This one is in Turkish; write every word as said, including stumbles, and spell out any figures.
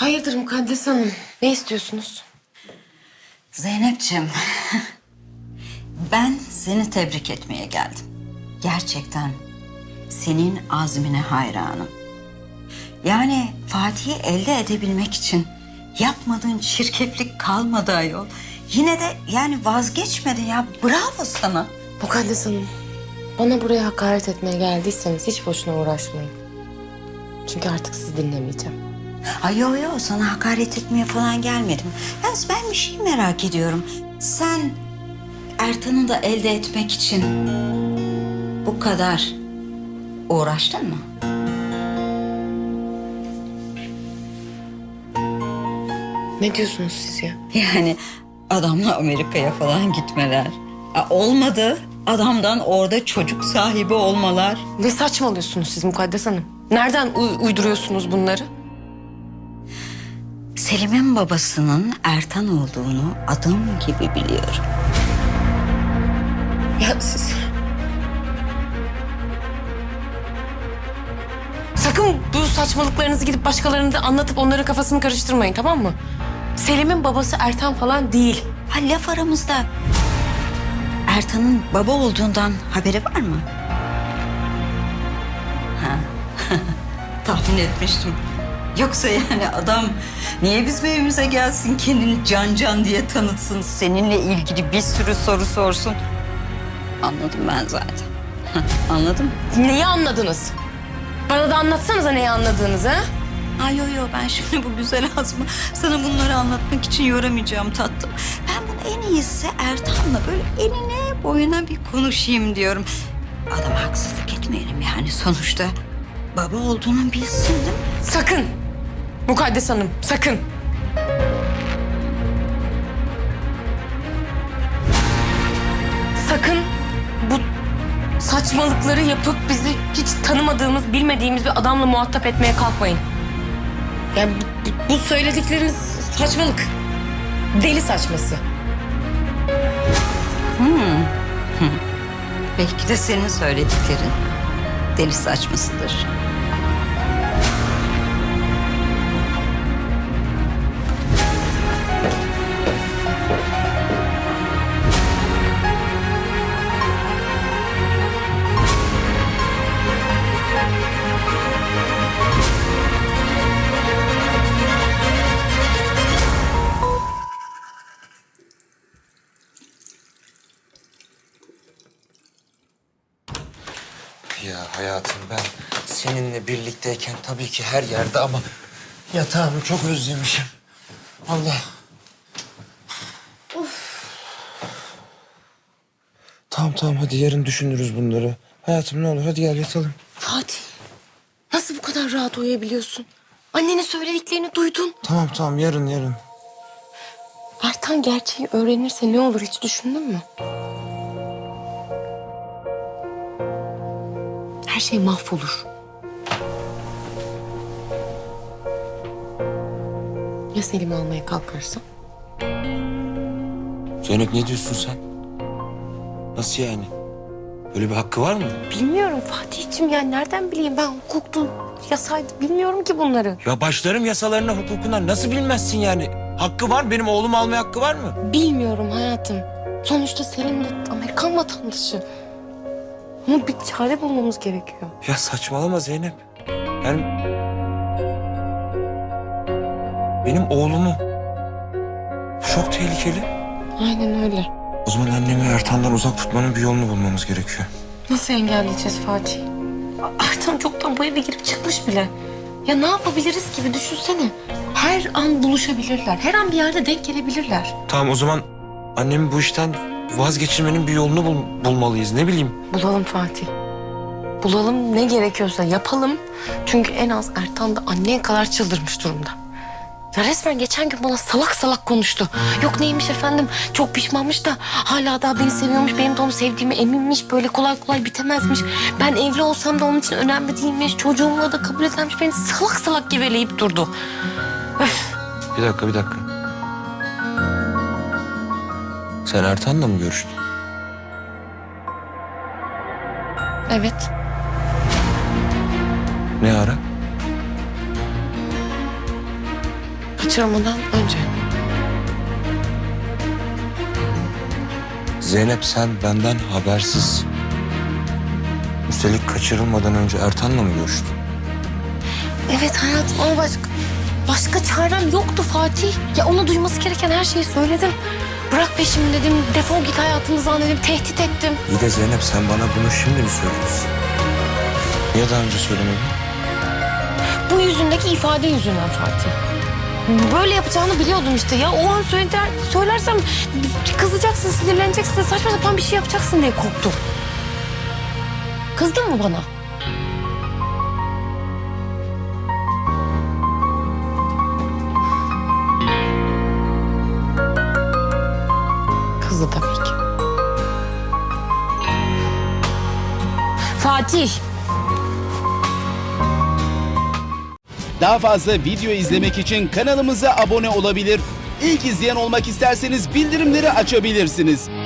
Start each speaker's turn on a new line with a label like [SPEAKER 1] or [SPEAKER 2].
[SPEAKER 1] Hayırdır Mukaddes Hanım? Ne istiyorsunuz?
[SPEAKER 2] Zeynep'ciğim, ben seni tebrik etmeye geldim. Gerçekten senin azmine hayranım. Yani Fatih'i elde edebilmek için yapmadığın çirkeflik kalmadı ayol. Yine de yani vazgeçmedin ya. Bravo sana.
[SPEAKER 1] Mukaddes Hanım, bana buraya hakaret etmeye geldiyseniz hiç boşuna uğraşmayın. Çünkü artık sizi dinlemeyeceğim.
[SPEAKER 2] Ay yo yo, sana hakaret etmeye falan gelmedim. Yalnız ben bir şey merak ediyorum. Sen Ertan'ı da elde etmek için bu kadar uğraştın mı?
[SPEAKER 1] Ne diyorsunuz siz ya?
[SPEAKER 2] Yani adamla Amerika'ya falan gitmeler. Aa, olmadı. Adamdan orada çocuk sahibi olmalar.
[SPEAKER 1] Ne saçmalıyorsunuz siz Mukaddes Hanım? Nereden uy- uyduruyorsunuz bunları?
[SPEAKER 2] Selim'in babasının Ertan olduğunu adım gibi biliyorum.
[SPEAKER 1] Ya siz... Sakın bu saçmalıklarınızı gidip başkalarına da anlatıp onların kafasını karıştırmayın, tamam mı? Selim'in babası Ertan falan değil.
[SPEAKER 2] Ha, laf aramızda Ertan'ın baba olduğundan haberi var mı? Ha. Tahmin etmiştim. Yoksa yani adam niye bizim evimize gelsin, kendini Can Can diye tanıtsın, seninle ilgili bir sürü soru sorsun. Anladım ben zaten. Anladım.
[SPEAKER 1] Neyi anladınız? Bana da anlatsanıza neyi anladığınızı, ha?
[SPEAKER 2] Ay yo yo, ben şimdi bu güzel azmı sana bunları anlatmak için yoramayacağım tatlım. Ben bunu en iyisi Ertan'la böyle enine boyuna bir konuşayım diyorum. Adama haksızlık etmeyelim yani, sonuçta baba olduğunu bilsin değil mi?
[SPEAKER 1] Sakın! Mukaddes Hanım, sakın! Sakın bu saçmalıkları yapıp bizi hiç tanımadığımız, bilmediğimiz bir adamla muhatap etmeye kalkmayın. Yani bu, bu- bu söyledikleriniz saçmalık. Deli saçması.
[SPEAKER 2] Belki de senin söylediklerin deli saçmasıdır.
[SPEAKER 3] Ya hayatım, ben seninle birlikteyken tabii ki her yerde ama yatağımı çok özlemişim. Allah. Of. Tamam tamam, hadi yarın düşünürüz bunları. Hayatım ne olur hadi gel yatalım.
[SPEAKER 1] Fatih, nasıl bu kadar rahat uyuyabiliyorsun? Annenin söylediklerini duydun.
[SPEAKER 3] Tamam tamam, yarın yarın.
[SPEAKER 1] Ertan gerçeği öğrenirse ne olur hiç düşündün mü? Her şey mahvolur. Ya Selim'i almaya kalkarsa?
[SPEAKER 3] Zeynep, ne diyorsun sen? Nasıl yani? Böyle bir hakkı var mı?
[SPEAKER 1] Bilmiyorum Fatih'ciğim, yani nereden bileyim ben, hukuktu, yasaydı, bilmiyorum ki bunları.
[SPEAKER 3] Ya başlarım yasalarına, hukukuna, nasıl bilmezsin yani? Hakkı var, benim oğlumu almaya hakkı var mı?
[SPEAKER 1] Bilmiyorum hayatım. Sonuçta Selim de Amerikan vatandaşı. Ama bir çare bulmamız gerekiyor.
[SPEAKER 3] Ya saçmalama Zeynep. Yani benim oğlumu. Bu çok tehlikeli.
[SPEAKER 1] Aynen öyle.
[SPEAKER 3] O zaman annemi Ertan'dan uzak tutmanın bir yolunu bulmamız gerekiyor.
[SPEAKER 1] Nasıl engelleyeceğiz Fatih? Ertan çoktan bu eve girip çıkmış bile. Ya ne yapabiliriz ki, bir düşünsene. Her an buluşabilirler. Her an bir yerde denk gelebilirler.
[SPEAKER 3] Tamam, o zaman annemi bu işten vazgeçirmenin bir yolunu bul- bulmalıyız. Ne bileyim.
[SPEAKER 1] Bulalım Fatih. Bulalım, ne gerekiyorsa yapalım. Çünkü en az Ertan da anneye kadar çıldırmış durumda. Ya resmen geçen gün bana salak salak konuştu. Yok neymiş efendim, çok pişmanmış da hala daha beni seviyormuş. Benim de onu sevdiğime eminmiş. Böyle kolay kolay bitemezmiş. Ben evli olsam da onun için önemli değilmiş. Çocuğumla da kabul edermiş. Beni salak salak geveleyip durdu. Öf.
[SPEAKER 3] Bir dakika, bir dakika. Sen Ertan'la mı görüştün?
[SPEAKER 1] Evet.
[SPEAKER 3] Ne ara?
[SPEAKER 1] kaçırmadan önce.
[SPEAKER 3] Zeynep sen benden habersiz, üstelik kaçırılmadan önce Ertan'la mı görüştün?
[SPEAKER 1] Evet hayatım ama başka, başka çarem yoktu Fatih. Ya ona duyması gereken her şeyi söyledim. Bırak peşimi dedim, defol git hayatınızdan dedim, tehdit ettim.
[SPEAKER 3] İyi de Zeynep sen bana bunu şimdi mi söylüyorsun? Niye daha önce söylemedin?
[SPEAKER 1] Bu yüzündeki ifade yüzünden Fatih. Böyle yapacağını biliyordum işte ya. O an söyler, söylersem kızacaksın, sinirleneceksin, saçma sapan bir şey yapacaksın diye korktum. Kızdın mı bana? Kızdı tabii ki. Fatih.
[SPEAKER 4] Daha fazla video izlemek için kanalımıza abone olabilir. İlk izleyen olmak isterseniz bildirimleri açabilirsiniz.